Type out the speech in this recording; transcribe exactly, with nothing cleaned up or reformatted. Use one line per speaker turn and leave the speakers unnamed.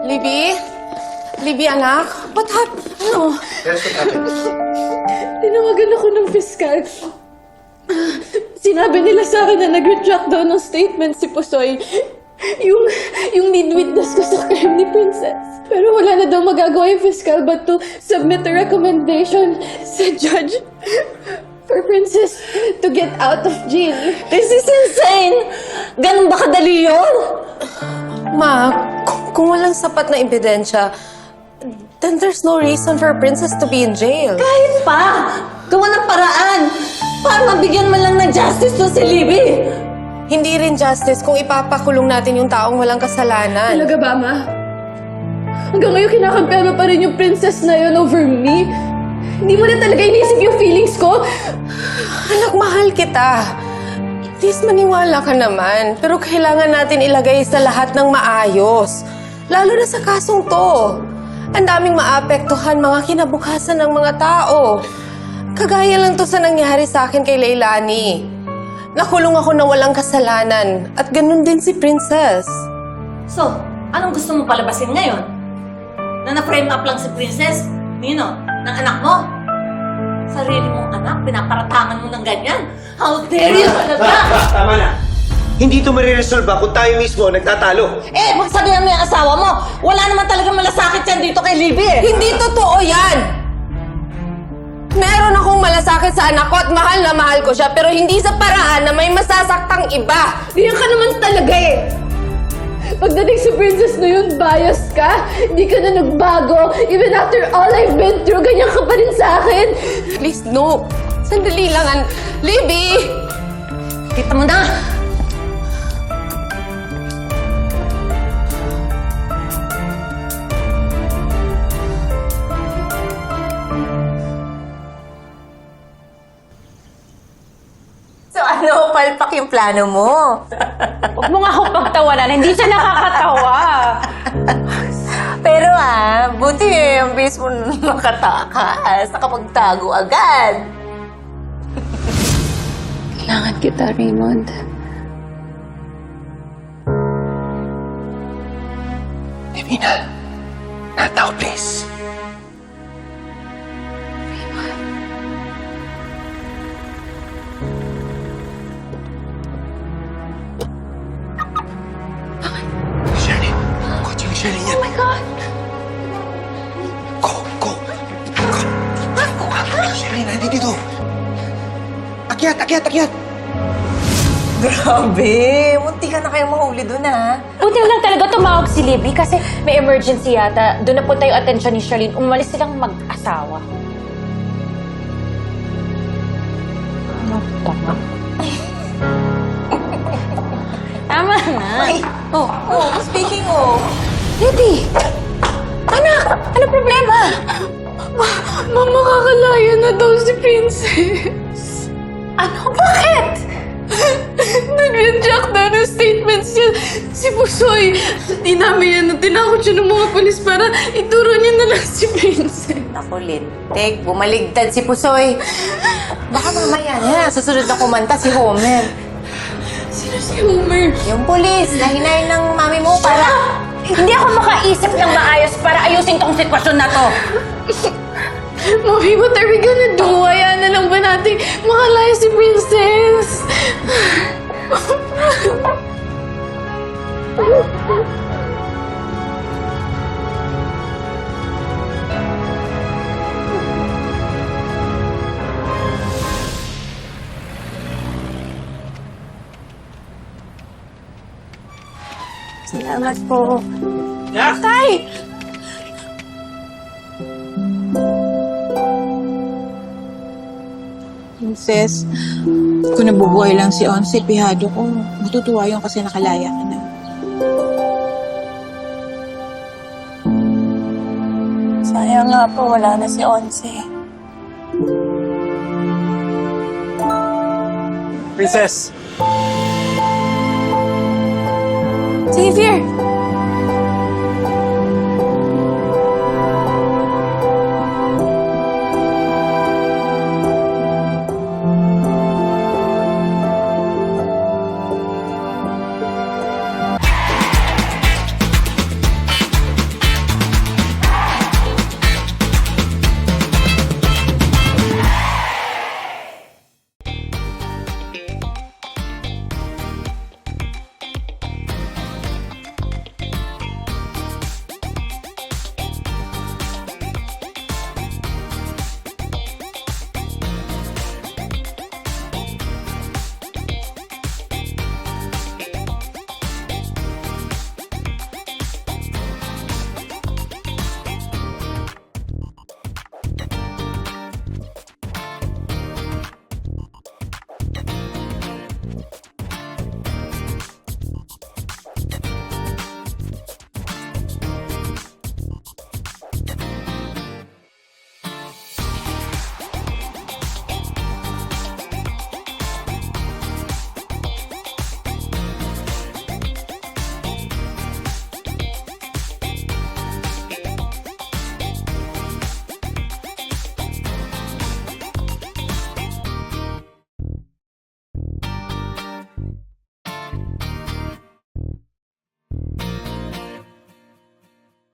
Libby? Libby, anak? What happened? Ano?
Yes, what happened?
Tinawagan ako ng fiskal. Sinabi nila sa akin na nag-retract daw ng statement si Pusoy. Yung, yung lead witness ko sa crime ni Princess. Pero wala na daw magagawa yung fiskal but to submit a recommendation sa judge for Princess to get out of jail.
This is insane! Ganun ba kadali yun?
Ma, kung, kung walang sapat na ebidensya, then there's no reason for Princess to be in jail.
Kahit pa! Gawa ng paraan! Para mabigyan man lang ng justice to si Libby!
Hindi rin justice kung ipapakulong natin yung taong walang kasalanan.
Talaga ba, Ma? Hanggang ngayon kinakampihan mo pa rin yung princess na yun over me? Hindi mo na talaga inisip yung feelings ko?
Anak, mahal kita. Please, maniwala ka naman. Pero kailangan natin ilagay sa lahat ng maayos. Lalo na sa kasong to. Ang daming maapektuhan mga kinabukasan ng mga tao. Kagaya lang to sa nangyari sa akin kay Leilani. Nakulong ako na walang kasalanan. At ganun din si Princess.
So, anong gusto mo palabasin ngayon? Na na-frame up lang si Princess? Nino? Ng anak mo? Sarili mong anak, pinaparatangan mo ng ganyan? How dare you talaga?
Tama na! Hindi ito mariresolve kung tayo mismo nagtatalo.
Eh, magsabihan mo yung asawa mo. Wala naman talaga malasakit yan dito kay Libby eh.
Hindi totoo yan! Meron akong malasakit sa anak ko at mahal na mahal ko siya, pero hindi sa paraan na may masasaktang iba.
Diyan ka naman talaga eh! Pagdating sa princess na yun, biased ka. Hindi ka na nagbago. Even after all I've been through, ganyan ka pa rin sa akin.
Please, no. Sandali lang. An Libby!
Kita mo na!
So ano, palpak yung plano mo?
Huwag mo nga ako pagtawanan. Hindi siya nakakatawa.
Pero ah, buti eh, ang bilis mo makatakas. Nakapagtago agad.
Kailangan kita, Raymond.
Divina, not now, please. Shirley, kotse yung Shirley niya.
Oh my God!
Go, go, go. Shirley, nandito dito. Akyat, akyat, akyat.
Grabe, munti ka na kayong mahuli dun ah.
Buti lang talaga tumawag si Libby kasi may emergency yata. Doon na punta yung atensyon ni Charlene. Umalis silang mag-asawa. Ano tama? Tama na.
Ay, oh, oh, speaking of,
Libby! Anak! Ano problema?
Mama, kakalaya na daw si Princess.
Ano? Bakit?
Nag-retract daw ng statements niya si Pusoy. Di namin yan, tinakot siya ng mga polis para ituro niya na lang si Princess.
ako lintik, bumaligtad si Pusoy. Baka mamaya na, susunod na kumanta si Homer.
Sino si Homer?
Yung pulis na hinayin ng mami mo para...
Hindi ako makaisip ng maayos para ayusin tong sitwasyon na to.
Mommy, what are we gonna do? Hayaan na lang ba natin makalaya si Princess?
Salamat po.
Tay!
Princess, kung nabubuhay lang si Onse, pihado ko. Matutuwa yun kasi nakalaya ka na.
Sayang nga po, wala na si Onse.
Princess!
Xavier!